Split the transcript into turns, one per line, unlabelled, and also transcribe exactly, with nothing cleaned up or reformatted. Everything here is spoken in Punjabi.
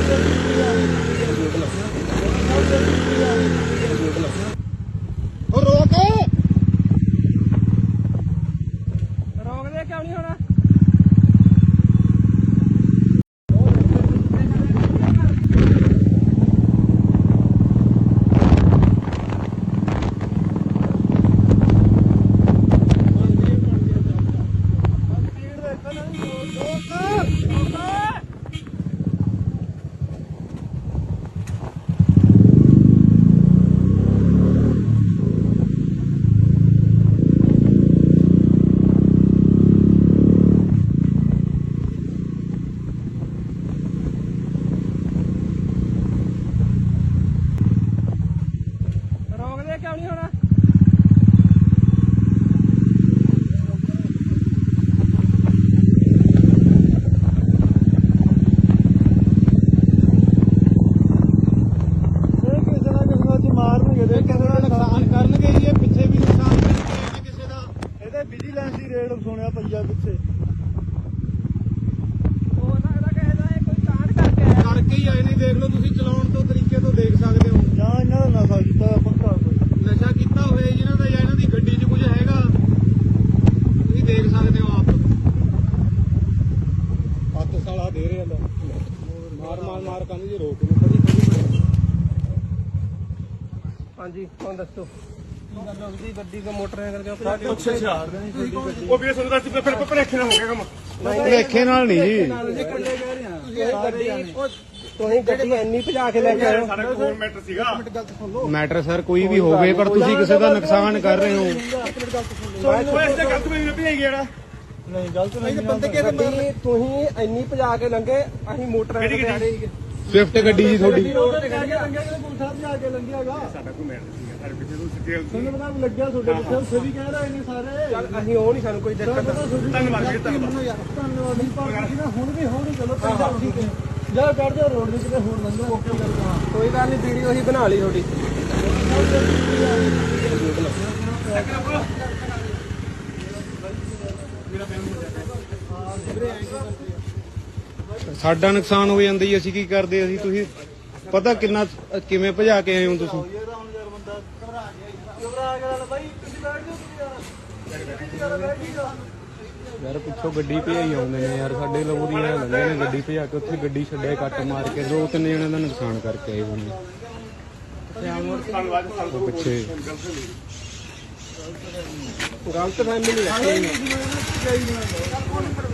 और रोक
रोक दे क्यों नहीं होना क्यों नहीं होना
ਮਾਰਨਗੇ ਦੇ ਕਿਸੇ ਦਾ ਨੁਕਸਾਨ ਕਰਨਗੇ ਜੀ ਪਿੱਛੇ ਵੀ ਨੁਕਸਾਨ ਕਰਨਗੇ ਕਿਸੇ ਦਾ ਇਹਦੇ ਵਿਜੀਲੈਂਸ ਦੀ ਰੇਡ ਸੁਣਿਆ ਪਈਆ ਪਿੱਛੇ
ਹੋ ਸਕਦਾ ਕਿਸੇ ਦਾ ਇਹ ਕੋਈ ਕਾਂਡ ਕਰਕੇ ਆਇਆ
ਕਰਕੇ ਹੀ ਆਏ ਨਹੀਂ ਦੇਖ ਲਓ ਤੁਸੀਂ ਚਲਾਉਣ ਤੋਂ ਤਰੀਕੇ ਤੋਂ ਦੇਖ ਸਕਦੇ ਹੋ ਜਾਂ ਇਹਨਾਂ ਦਾ ਨਸ਼ਾ ਕੀਤਾ ਪੱਕਾ ਨਸ਼ਾ ਕੀਤਾ ਹੋਇਆ ਜਿਹਨਾਂ ਦਾ ਜਾਂ ਇਹਨਾਂ ਦੀ ਗੱਡੀ 'ਚ ਕੁਝ ਹੈਗਾ ਤੁਸੀਂ ਦੇਖ ਸਕਦੇ ਹੋ ਆਪ ਹੱਥ ਸਾਲਾ ਦੇ ਰਿਹਾ ਮਾਰ ਮਾਰ ਮਾਰ ਕੰਨ ਜੀ ਰੋਕ ਨੂੰ ਕਦੀ ਕਦੀ
ਹਾਂਜੀ ਕੌਣ ਦੱਸੋ ਦੀ ਗੱਡੀ ਦਾ ਮੋਟਰਸਾਈਕਲ ਕਿਉਂ
ਸਾਡੇ ਉੱਛੇ ਛਾੜ ਦੇਣੀ ਛੋਟੀ ਗੱਡੀ
ਉਹ ਵੀਰੇ ਤੁਹਾਨੂੰ ਦੱਸ ਫਿਰ ਭਲੇਖੇ ਨਾਲ ਹੋ ਗਿਆ ਕੰਮ
ਭਲੇਖੇ ਨਾਲ ਨਹੀਂ ਜੀ
ਤੁਸੀਂ ਗੱਡੀ ਇੰਨੀ ਭਜਾ ਕੇ ਲੈ ਕੇ ਆਏ
ਸਾਡਾ ਕੋਲ ਮੈਟਰ ਸੀਗਾ
ਮੈਟਰ ਸਰ ਕੋਈ ਵੀ ਹੋਵੇ ਪਰ ਤੁਸੀਂ ਕਿਸੇ ਦਾ ਨੁਕਸਾਨ ਕਰ ਰਹੇ ਹੋ
ਉਹ ਇਸ ਤੇ ਗਲਤ ਮੈਨੂੰ ਭਜਾਈ ਗਿਆ
ਨਹੀਂ ਗਲਤ ਨਹੀਂ
ਬੰਦੇ ਕਿਹਦੇ ਤੁਸੀਂ ਇੰਨੀ ਭਜਾ ਕੇ ਲੰਘੇ ਅਸੀਂ ਮੋਟਰਸਾਈਕਲ ਤੇ ਆ ਰਹੇ ਸੀਗੇ
ਸਵਿਫਟ ਗੱਡੀ ਜੀ ਤੁਹਾਡੀ
ਸਾਡਾ ਕੋਈ ਮੈਟਰ ਸੀਗਾ ਸਾਡੇ ਪਿੱਛੇ ਤੋਂ ਸਿੱਧੇ
ਤੁਹਾਨੂੰ ਪਤਾ ਲੱਗਿਆ ਤੁਹਾਡੇ ਪਿੱਛੇ ਉੱਥੇ ਵੀ ਕਹਿ ਰਹੇ ਨੇ ਸਾਰੇ
ਚੱਲ ਅਸੀਂ ਉਹ ਨਹੀਂ ਸਾਨੂੰ ਕੋਈ ਦਿੱਕਤ
ਧੰਨਵਾਦ ਵੀਰੇ ਧੰਨਵਾਦ
ਧੰਨਵਾਦ ਨਹੀਂ ਪਰ ਹੁਣ ਵੀ ਹੋਣੀ ਚਲੋ ਪੰਜਾਬ ਠੀਕ ਹੈ ਜਾ ਕੱਢ ਦਿਓ ਰੋਡ ਦੇ ਕਿਤੇ ਹੋਰ ਲੰਘੋ ਓਕੇ ਕਰਦਾ
ਕੋਈ ਗੱਲ ਨਹੀਂ ਵੀਡੀਓ ਅਸੀਂ ਬਣਾ ਲਈ ਤੁਹਾਡੀ
ਸਾਡਾ ਨੁਕਸਾਨ ਹੋ ਜਾਂਦਾ ਜੀ ਅਸੀਂ ਕੀ ਕਰਦੇ ਅਸੀਂ ਤੁਸੀਂ ਪਤਾ ਕਿੰਨਾ ਕਿਵੇਂ ਭਜਾ ਕੇ ਆਏ ਹੋ ਤੁਸੀਂ ਯਾਰ ਪਿੱਛੋਂ ਗੱਡੀ ਭਜਾਈ ਆਉਂਦੇ ਨੇ ਯਾਰ ਸਾਡੇ ਲੋਕ ਦੀ ਲੰਘੇ ਨੇ ਗੱਡੀ ਭਜਾ ਕੇ ਉੱਥੇ ਗੱਡੀ ਛੱਡਿਆ ਕੱਟ ਮਾਰ ਕੇ ਦੋ ਤਿੰਨ ਜਣਿਆਂ ਦਾ ਨੁਕਸਾਨ ਕਰਕੇ ਆਏ ਹੋਣੇ ਪਿੱਛੇ
ਗਲਤ ਫੈਮਿਲੀ ਰੱਖੀ